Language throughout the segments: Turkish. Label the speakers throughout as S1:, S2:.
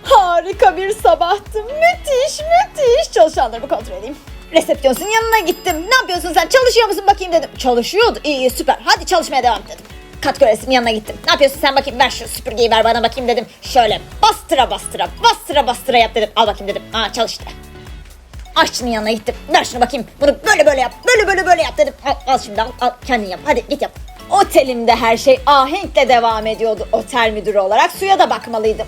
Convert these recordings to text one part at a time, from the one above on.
S1: Harika bir sabahtı. Müthiş. Çalışanlarımı kontrol edeyim. Resepsiyonun yanına gittim. Ne yapıyorsun sen? Çalışıyor musun bakayım dedim. Çalışıyordu. İyi süper. Hadi çalışmaya devam dedim. Kat görevlisinin yanına gittim. Ne yapıyorsun sen bakayım? Ver şu süpürgeyi ver bana bakayım dedim. Şöyle bastıra yap dedim. Al bakayım dedim. Çalıştı. Aşçının yanına gittim. Ver şunu bakayım. Bunu böyle yap. Böyle yap dedim. Al şimdi al. Kendin yap. Hadi git yap. Otelimde her şey ahenkle devam ediyordu. Otel müdürü olarak suya da bakmalıydım.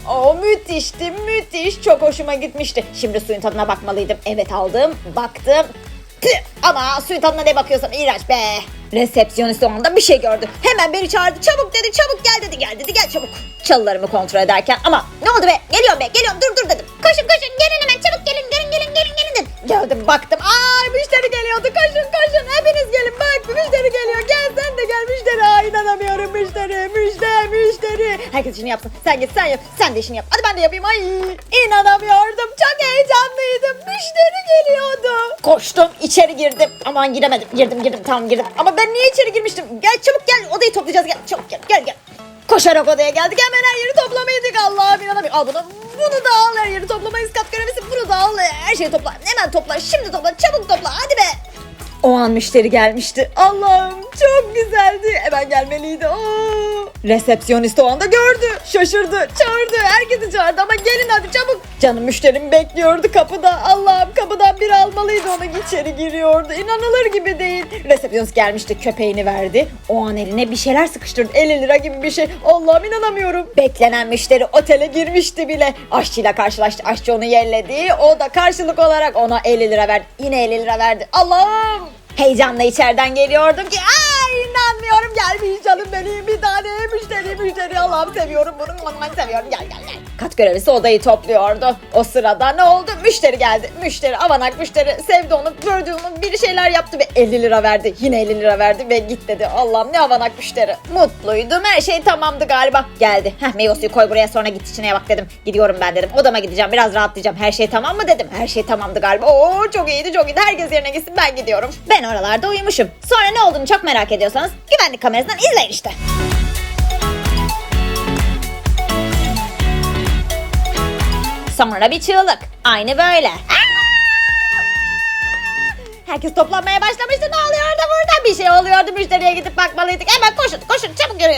S1: Müthiş. Çok hoşuma gitmişti. Şimdi suyun tadına bakmalıydım. Evet aldım. Baktım. Ama suyun tadına ne bakıyorsan iğrenç be. Resepsiyonist o anda bir şey gördü. Hemen beni çağırdı. Çabuk dedi. Çabuk gel dedi. Gel çabuk. Çalılarımı kontrol ederken ama ne oldu be? Geliyorum dur dedim. Koşun gelin hemen çabuk gelin dedim. Geldim baktım. Müşteri geliyordu. Koşun hepiniz gelin bak müşteri geliyor. Gel sen de gel müşteri. İnanamıyorum müşteri. Herkes işini yapsın. Sen git sen yap. Sen de işini yap. Hadi ben de yapayım. İnanamıyordum. Çok heyecanlıydım. Müşteri geliyordu. Koştum içeri girdim. Aman giremedim. Girdim tamam girdim. Ama ben niye içeri girmiştim? Gel çabuk gel odayı toplayacağız. Gel çabuk gel. Koşarak odaya geldik. Hemen her yeri toplamaydık. Allah'ım inanamıyorum. Al bunu da al. Her yeri toplamayız. Kat görevlisi bunu da al. Her şeyi topla. Hemen topla. Şimdi topla. Çabuk topla. Hadi be. O an müşteri gelmişti. Allah'ım çok güzeldi. Hemen gelmeliydi. Resepsiyonist o anda gördü. Şaşırdı. Çağırdı. Herkesi çağırdı ama gelin hadi çabuk. Canım müşterim bekliyordu kapıda. Allah'ım kapıdan biri almalıydı onu. İçeri giriyordu. İnanılır gibi değil. Resepsiyonist gelmişti. Köpeğini verdi. O an eline bir şeyler sıkıştırdı. 50 lira gibi bir şey. Allah'ım inanamıyorum. Beklenen müşteri otele girmişti bile. Aşçıyla karşılaştı. Aşçı onu yelledi. O da karşılık olarak ona 50 lira verdi. Yine 50 lira verdi. Allah'ım. Heyecanla içeriden geliyordum ki inanmıyorum gelmiş canım benim bir tane müşteri Allah'ım seviyorum bunu seviyorum gel. Kat görevlisi odayı topluyordu. O sırada ne oldu? Müşteri geldi. Avanak müşteri sevdi onu gördü onu bir şeyler yaptı ve 50 lira verdi. Yine 50 lira verdi ve git dedi. Allah'ım ne avanak müşteri. Mutluydum her şey tamamdı galiba. Geldi. Meyve suyu koy buraya sonra git içine bak dedim. Gidiyorum ben dedim. Odama gideceğim biraz rahatlayacağım. Her şey tamam mı dedim. Her şey tamamdı galiba. Çok iyiydi. Herkes yerine gitsin ben gidiyorum. Ben oralarda uyumuşum. Sonra ne olduğunu çok merak ediyorsanız güvenlik kamerasından izleyin işte. Sonra bir çığlık. Aynı böyle. Herkes toplanmaya başlamıştı. Ne oluyordu burada? Bir şey oluyordu. Müşteriye gidip bakmalıydık. Hemen koşun çabuk yürüyün.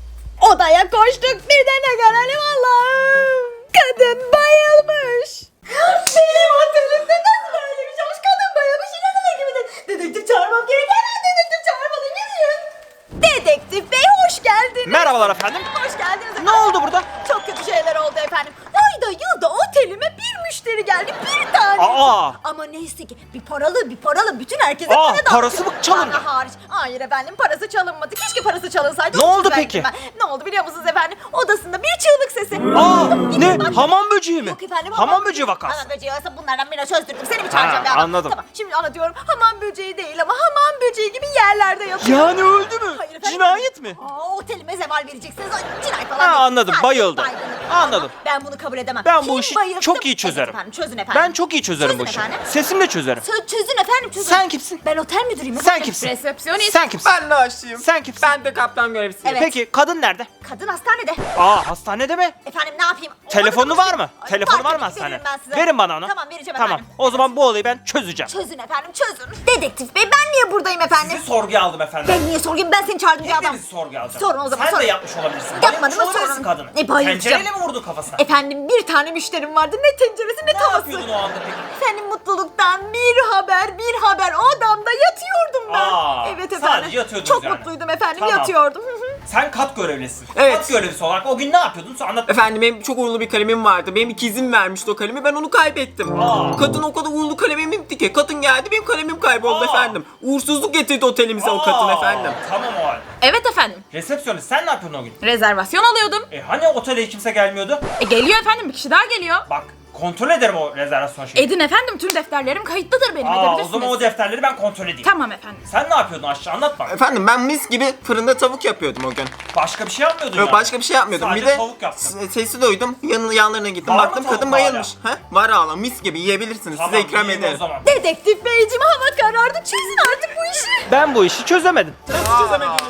S1: Odaya koştuk. Bir de ne görelim Allah'ım. Kadın bayılmış. Benim otelimde nasıl böyle bir şey olmuş? Kadın bayılmış. İnanılır gibi değil. Dedektif çağırmam gerek. Hemen dedektif çağırmalıyım. Yürüyün. Dedektif bey hoş geldiniz.
S2: Merhabalar efendim.
S1: Hoş geldiniz efendim.
S2: Ne oldu burada?
S1: Çok kötü şeyler oldu efendim. Ayda yılda otelime bir müşteri geldi. Bir tane. Ama neyse ki bir paralı bütün herkese para dağıtıyor.
S2: Parası mı çalındı?
S1: Bana hariç. Hayır efendim parası çalınmadı. Keşke parası çalınsaydı.
S2: Ne oldu peki?
S1: Ne oldu biliyor musunuz efendim? Odasında bir çığlık sesi.
S2: Ne? Hamam böceği mi?
S1: Yok efendim.
S2: Hamam böceği vakası.
S1: Hamam böceği olsa bunlardan birine çözdürdüm. Seni mi çağıracağım bir adam?
S2: Anladım.
S1: Tamam şimdi anlatıyorum. Hamam böceği değil ama hamam böceği gibi yerlerde yatıyor.
S2: Yani öldü mü?
S1: Hayır efendim.
S2: Cinayet mi?
S1: Otelime zeval vereceksiniz. Cinayet falan değil.
S2: Anladım,
S1: Sadece
S2: bayıldı.
S1: baygınlık.
S2: Anladım.
S1: Ama ben bunu kabul edemem.
S2: Ben bu
S1: Kim
S2: işi
S1: bayılttı?
S2: çok iyi çözerim.
S1: Evet efendim, çözün efendim.
S2: Ben çok iyi çözerim bu işi.
S1: efendim.
S2: Sesimle çözerim.
S1: Çözün efendim çözün.
S2: Sen kimsin?
S1: Ben otel müdürüyüm
S2: Sen
S1: efendim.
S2: kimsin?
S1: Resepsiyonist.
S2: Sen kimsin?
S3: Ben de aşçıyım.
S2: Sen kimsin?
S3: Ben de kaptan görevlisiyim.
S1: Evet.
S2: Peki kadın nerede?
S1: Kadın hastanede.
S2: Hastanede mi?
S1: Efendim ne yapayım?
S2: Telefonu var mı?
S1: Ay,
S2: Telefonu var mı
S1: tabii ki
S2: hastane?
S1: veririm ben size.
S2: Verin bana onu.
S1: Tamam vereceğim
S2: Tamam.
S1: efendim.
S2: O zaman bu olayı ben çözeceğim.
S1: Çözün efendim çözün. Dedektif bey ben niye buradayım efendim?
S2: Sorguya aldım efendim.
S1: Ben niye sorayım ben seni çağırdım bir adam.
S2: Hepinizi sorguya alacağım.
S1: Sorun o zaman
S2: Sen
S1: sorun.
S2: de yapmış olabilirsin.
S1: Yapmadım
S2: Bayılmış
S1: mı
S2: olabilirsin
S1: sorun.
S2: kadını.
S1: Bayılacağım.
S2: Tencereyle mi vurdun kafasına?
S1: Efendim bir tane müşterim vardı ne tenceresi ne
S2: Ne
S1: tavası.
S2: yapıyordun o anda peki?
S1: Senin mutluluktan bir haber odamda yatıyordum ben. Evet efendim.
S2: sadece yatıyordunuz
S1: Çok
S2: yani.
S1: mutluydum efendim
S2: Tamam.
S1: yatıyordum.
S2: Sen kat görevlisin.
S3: Evet.
S2: Kat görevlisi olarak o gün ne yapıyordun? Sen anlat.
S3: Efendim benim çok uğurlu bir kalemim vardı. Benim ikizim vermişti o kalemi. Ben onu kaybettim. Kadın o kadar uğurlu kalemimdi ki. Kadın geldi benim kalemim kayboldu efendim. Uğursuzluk getirdi otelimize o kadın efendim.
S2: Tamam o halde.
S4: Evet efendim.
S2: Resepsiyonist sen ne yapıyordun o gün?
S4: Rezervasyon alıyordum.
S2: Hani otele hiç kimse gelmiyordu?
S4: Geliyor efendim bir kişi daha geliyor.
S2: Bak kontrol ederim o rezervasyon şeyi.
S4: Edin efendim tüm defterlerim kayıtlıdır benim
S2: O
S4: edebilirsiniz.
S2: zaman o defterleri ben kontrol edeyim.
S4: Tamam efendim.
S2: Sen ne yapıyordun aşağı anlat bak.
S3: Efendim ben mis gibi fırında tavuk yapıyordum o gün.
S2: Başka bir şey yapmıyordun
S3: Yok
S2: yani.
S3: başka bir şey yapmıyordum.
S2: Sadece
S3: bir de
S2: tavuk yaptın.
S3: sesi duydum. Yanlarına gittim.
S2: Var mı
S3: Baktım
S2: tavuk
S3: kadın
S2: hala?
S3: bayılmış. Var hala mis gibi yiyebilirsiniz.
S2: Tamam,
S3: Size ikram
S2: yiyeyim
S3: ederim.
S2: o zaman.
S1: Dedektif beyciğim hava karardı çözün artık bu işi.
S2: Ben bu işi çözemedim.
S3: Nasıl çözemediniz?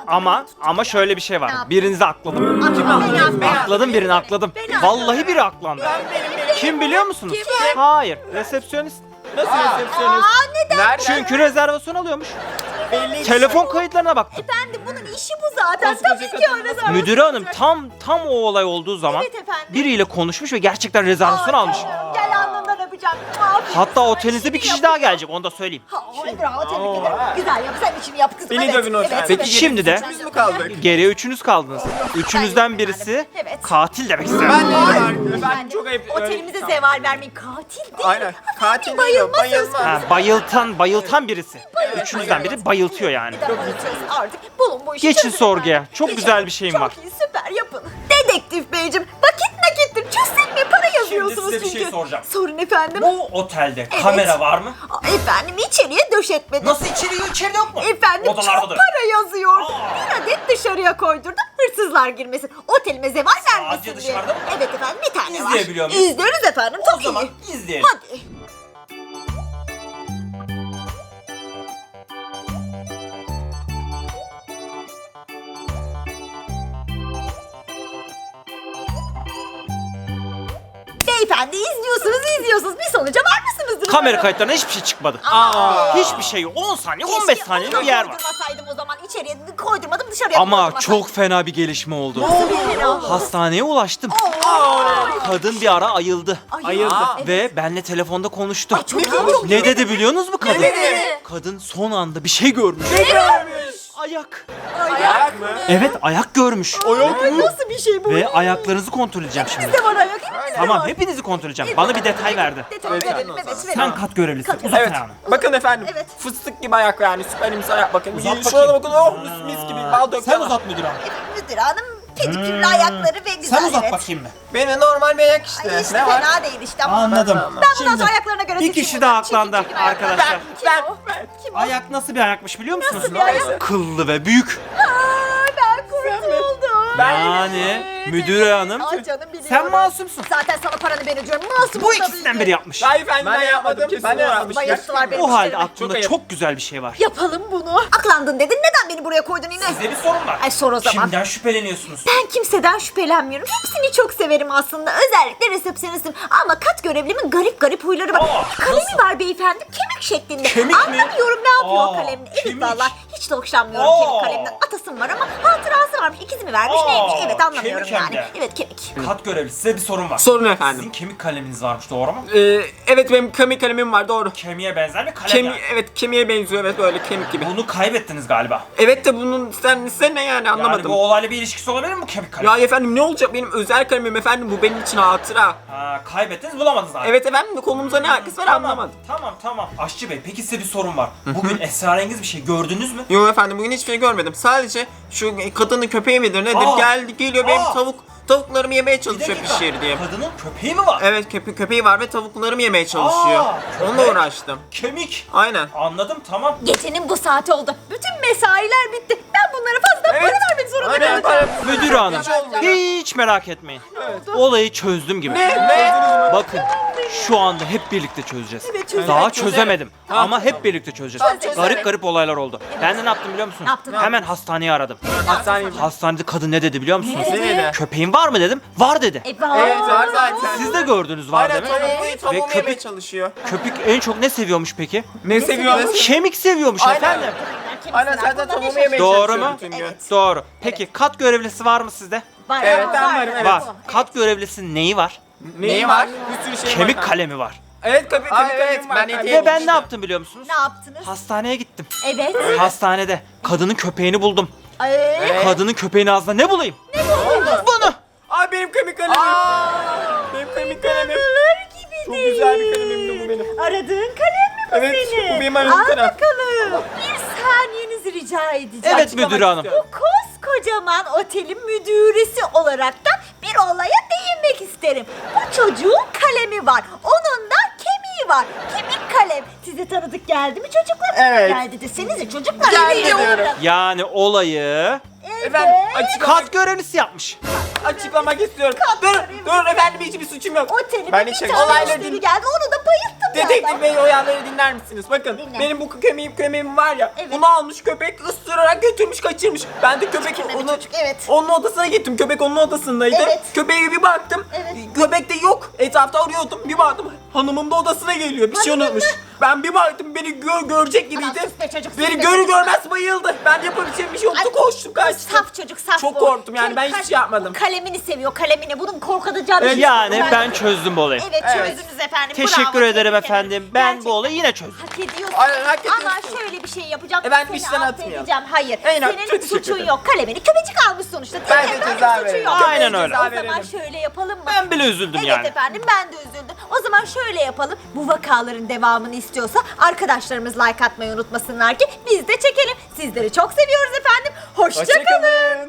S2: Ama şöyle bir şey var.
S1: yaptın?
S2: Birinizi akladım. Akladım birini akladım. Vallahi biri aklandı. Kim biliyor musunuz? Hayır, resepsiyonist.
S3: Nasıl resepsiyonist?
S1: neden?
S3: Nerede?
S2: Çünkü rezervasyon alıyormuş.
S3: Belli.
S2: Telefon kayıtlarına baktım.
S1: Efendim bunun işi bu zaten.
S3: Koskoca
S1: Tabii ki
S3: kadın
S1: öyle
S3: nasıl-
S1: zaten.
S2: Müdür hanım tam o olay olduğu zaman
S1: Evet efendim.
S2: biriyle konuşmuş ve gerçekten rezervasyon almış.
S1: Gel alnından öpeceğim. Aferin
S2: Hatta
S1: sana,
S2: otelinizde bir
S1: işini
S2: kişi daha
S1: yapıyor.
S2: gelecek, onu da söyleyeyim.
S1: Bravo, tebrik ederim. Güzel yap, sen işini yap kızım.
S3: Beni dövün o zaman.
S2: Peki şimdi de
S3: Üçümüz mü kaldık?
S2: geriye üçünüz kaldınız. Üçünüzden birisi
S1: Evet.
S2: katil demek istedim.
S3: Ben de efendim çok ayıp.
S1: Otelimize zeval vermeyin. Katil değil.
S3: Aynen. Katil değil o.
S1: Bayılma söz
S3: Bayılma.
S2: Bayıltan birisi. Üçünüzden biri bayıltıyor yani.
S1: Neden bayılacağız artık? Bulun bu işi.
S2: Geçin
S1: çözün
S2: sorguya.
S1: efendim.
S2: Çok
S1: Geçin.
S2: güzel bir şeyim var.
S1: Çok iyi, süper yapın. Dedektif beyciğim, vakit nakittir. Çözsek mi? Para yazıyorsunuz
S2: size bir
S1: çünkü.
S2: şey soracağım.
S1: Sorun efendim.
S2: Bu otelde kamera var mı?
S1: Efendim içeriye döşetmedim.
S2: Nasıl içeride yok mu?
S1: Efendim çok
S2: Odalardadır.
S1: para yazıyor.
S2: Aa.
S1: Bir adet dışarıya koydurdum. Hırsızlar girmesin. Otelime zeval vermesin diye.
S2: dışarıda mı?
S1: Evet efendim, bir tane var.
S2: İzleyebiliyor muyuz?
S1: İzliyoruz efendim.
S2: O
S1: Çok
S2: zaman
S1: iyi.
S2: izleyelim.
S1: Hadi. Beyefendi izliyorsunuz. Bir sonuca var mısınız?
S2: Kamera kayıtlarına hiçbir şey çıkmadı. Hiçbir şey yok. 10 saniye, 15 saniyelik bir yer var.
S1: Koydurmasaydım o zaman, içeriye koydurmadım, dışarıya
S2: Ama
S1: koydurmasaydım.
S2: çok fena bir gelişme oldu.
S1: fena?
S2: Hastaneye ulaştım. Kadın bir ara ayıldı.
S3: Ayıldı.
S2: Ve benle telefonda konuştu.
S1: Çok iyi.
S2: Ne dedi biliyor musunuz bu kadın?
S1: dedi?
S2: Kadın son anda bir şey görmüş. Ayak.
S3: Ayak mı?
S2: Evet, ayak görmüş.
S1: Nasıl bir şey bu?
S2: Ve ayaklarınızı kontrol edeceğim şimdi.
S1: Bizde var ayak. Hepimizde
S2: Tamam,
S1: var.
S2: hepinizi kontrol edeceğim. Bana bir detay verdi.
S1: Detay
S3: Evet,
S1: verelim,
S3: tamam.
S1: evet,
S2: Sen
S1: verelim.
S2: kat görevlisi. Uzat
S3: Evet.
S2: ayağını.
S3: Bakın efendim.
S1: Evet.
S3: Fıstık gibi ayak yani. Süperimiz ayak bakın.
S2: Uzat
S3: Şurada
S2: bakayım.
S3: bakın. Oh mis gibi. Bal döküyorlar.
S2: müdür hanım.
S1: Müdür hanım pedikürlü ayakları ve güzel, evet.
S2: bakayım mı?
S3: Benim normal bir ayak işte.
S1: Ay işte
S3: Ne var?
S1: fena değil işte ama.
S2: Anladım.
S1: Ben bundan sonra ayaklarına göre
S2: bir
S1: seçeyim
S2: kişi
S1: buradan.
S2: daha aklandı
S1: Çirkin ayaklar.
S2: arkadaşlar.
S1: Kim o? Kim o?
S2: Ayak nasıl bir ayakmış biliyor musunuz?
S1: Nasıl bir ayak?
S2: Kıllı ve büyük.
S1: Ben kurtuldum.
S2: Yani müdür hanım,
S1: Ay canım biliyorum.
S2: sen masumsun.
S1: Zaten sana paranı ben ödüyorum. Masum
S2: Bu
S1: tabii
S2: ikisinden
S1: ki.
S2: biri yapmış.
S3: Hayır efendim ben yapmadım. Ben de yapmadım.
S1: Bayılttılar beni.
S2: O halde
S1: müşterime.
S2: aklımda
S3: Çok ayıp.
S2: çok güzel bir şey var.
S1: Yapalım bunu. Aklandın dedin. Neden beni buraya koydun yine?
S2: Size bir sorun var.
S1: Ay sor o zaman.
S2: Kimden şüpheleniyorsunuz?
S1: Ben kimseden şüphelenmiyorum. Hepsini çok severim aslında. Özellikle resepsiyonistim. Ama kat görevlimin garip huyları var. Kalemi
S2: nasıl?
S1: var beyefendi. Kemik şeklinde.
S2: Kemik mi?
S1: Anlamıyorum ne yapıyor o
S2: Aa,
S1: kalemle. Evet
S2: kemik.
S1: valla. Hiç de hoşlanmıyorum
S2: Aa.
S1: kemik kalemden. Atasım var ama hatırası varmış. İkizi mi vermiş
S2: Aa,
S1: neymiş? Evet anlamıyorum
S2: kemik hem
S1: yani.
S2: de.
S1: Evet kemik.
S2: Kat görevlisi, size bir sorun var.
S3: Sorun
S2: Sizin
S3: efendim.
S2: kemik kaleminiz varmış, doğru mu?
S3: Evet benim kemik kalemim var doğru.
S2: Kemiğe benzer bir kalem yani.
S3: Evet kemiğe benziyor evet böyle kemik gibi.
S2: Bunu kaybettiniz galiba.
S3: Evet de bunun sen ne yani anlamadım.
S2: Yani bu olayla bir ilişkisi olabilir mi bu kemik kalem?
S3: Ya efendim ne olacak benim özel kalemim efendim bu benim için hatıra.
S2: Ha, kaybettiniz, bulamadınız abi.
S3: Evet efendim konumuza ne alakası var anlamadım.
S2: Tamam. Aşçı Bey, peki size bir sorun var. Bugün esrarengiz bir şey gördünüz mü?
S3: Yok efendim bugün hiçbir şey görmedim. Sadece şu kadının köpeği midir nedir
S2: Aa.
S3: geliyor benim
S2: Aa.
S3: tavuklarımı yemeye
S2: Bir
S3: çalışıyor
S2: dakika,
S3: pişir diye.
S2: kadının köpeği mi var?
S3: Evet köpeği var ve tavuklarımı yemeye çalışıyor.
S2: Aa,
S3: Onunla
S2: köpek.
S3: uğraştım.
S2: Kemik.
S3: Aynen.
S2: Anladım, tamam.
S1: Gecenin bu saati oldu. Bütün mesailer bitti. Ben bunlara fazla para vermek zorunda
S3: Aynen.
S1: kalacağım.
S2: Müdür hanım,
S3: Hiç olmuyor.
S2: hiç merak etmeyin. Olayı çözdüm gibi. Bakın, şu anda hep birlikte çözeceğiz.
S1: Evet, çözelim.
S2: Daha çözemedim ama hep birlikte çözeceğiz.
S1: Çözelim.
S2: Garip olaylar oldu. Ben de ne yaptım biliyor musunuz?
S1: Ne yaptın?
S2: Hemen hastaneyi aradım.
S3: Hastaneye
S2: Hastanede kadın ne dedi biliyor musunuz?
S3: Ne dedi?
S2: Köpeğin var mı dedim. Var dedi.
S3: Evet var zaten.
S2: Siz de gördünüz var
S3: Aynen
S2: demek.
S3: tavuğumu
S2: köpek-
S3: yemeye çalışıyor.
S2: Köpek en çok ne seviyormuş peki?
S3: Ne seviyor?
S2: Kemik seviyormuş
S3: Aynen.
S2: efendim.
S3: Aynen zaten tavuğumu yemeye
S2: Doğru
S3: çalışıyor
S2: mu?
S3: bütün gün.
S2: Doğru. Peki kat görevlisi var mı sizde?
S1: Var,
S3: Evet ben varım evet.
S2: Var. Kat görevlisinin neyi var?
S3: Neyi var? Bir sürü şey
S2: Kemik
S3: var.
S2: kalemi var.
S3: Evet kemik kalemim var.
S2: Ve ben ne yaptım biliyor musunuz?
S1: Ne yaptınız?
S2: Hastaneye gittim.
S1: Evet.
S2: Hastanede kadının köpeğini buldum.
S1: Ay.
S2: Kadının köpeğinin ağzına ne bulayım? Bunu.
S3: Ay benim kemik kalemim. Benim kemik kalemim. Çok güzel bir kalemim bu benim.
S1: Aradığın kalem mi bu
S3: Evet,
S1: senin?
S3: bu benim aradığım
S1: Al
S3: kalem.
S1: bakalım. Bir saniyenizi rica edeceğim.
S2: Evet müdür hanım.
S1: Bu koskocaman otelin müdüresi olaraktan bir olaya değinmek isterim. Bu çocuğun kalemi var. Onun da kemiği var. Kemik kalem. Size tanıdık geldi mi çocuklar?
S3: Evet.
S1: Geldi desenize çocuklar.
S3: Geldi
S1: Evet.
S3: diyorum.
S2: Yani olayı
S3: Efendim açık
S2: kat görevlisi yapmış.
S3: açıklamak istiyorum. Dur efendim, hiçbir suçum yok.
S1: Otelime
S3: Ben
S1: bir
S3: hiç
S1: tane
S3: olayları
S1: müşteri geldi, onu da bayılttım ya.
S3: Dedektif Bey, oyanları dinler misiniz? Bakın
S1: Dinle.
S3: benim bu köpeğim var ya.
S1: Evet.
S3: Bunu almış köpek, ısırarak götürmüş, kaçırmış. Ben de köpek
S1: Çirkin de bir
S3: onu
S1: çocuk, evet.
S3: onun odasına gittim. Köpek onun odasındaydı.
S1: Evet.
S3: Köpeğe bir baktım.
S1: Evet.
S3: Köpek de yok. Etrafta arıyordum. Bir baktım hanımım da odasına geliyor. Bir şey
S1: Hanımın
S3: unutmuş. Ben bir baktım, beni görecek gibiydi.
S1: Aman sus be çocuk, sus
S3: Beni
S1: be
S3: görür
S1: çocuk.
S3: görmez bayıldı. Ben de yapabileceğim bir şey yoktu. Koştum, kaçtım.
S1: Saf çocuk, saf
S3: Çok
S1: bu.
S3: korktum yani, ben hiçbir şey yapmadım.
S1: Kalemini seviyor, kalemini. Bunun korkutacağı bir şey yok.
S2: Yani ben çözdüm bu olayı.
S1: Evet,
S3: Evet.
S1: çözdünüz efendim.
S2: Teşekkür
S1: Bravo,
S2: ederim
S1: tebrik
S2: efendim. Ben
S1: Gerçekten
S2: bu olayı yine çözdüm.
S1: hak ediyorsun.
S3: Aynen, hak ediyorsun.
S1: Ama şöyle bir şey yapacağım.
S3: Ben
S1: Seni
S3: işten atmayalım.
S1: affedeceğim. Hayır.
S3: Aynen, çok
S1: Senin
S3: teşekkür
S1: suçun
S3: ederim.
S1: yok. Kalemini köpecik almış sonuçta.
S3: Ben de
S1: Senin
S3: ceza
S1: suçun
S3: veririm.
S1: yok.
S2: Aynen
S3: Köpeğe
S2: öyle.
S3: ceza
S1: O zaman
S3: veririm.
S1: şöyle yapalım mı?
S2: Ben bile üzüldüm
S1: Evet
S2: yani.
S1: efendim, ben de üzüldüm. O zaman şöyle yapalım. Bu vakaların devamını istiyorsa arkadaşlarımız like atmayı unutmasınlar ki biz de çekelim. Sizleri çok seviyoruz efendim. Hoşça kalın.
S3: Hoşçakalın.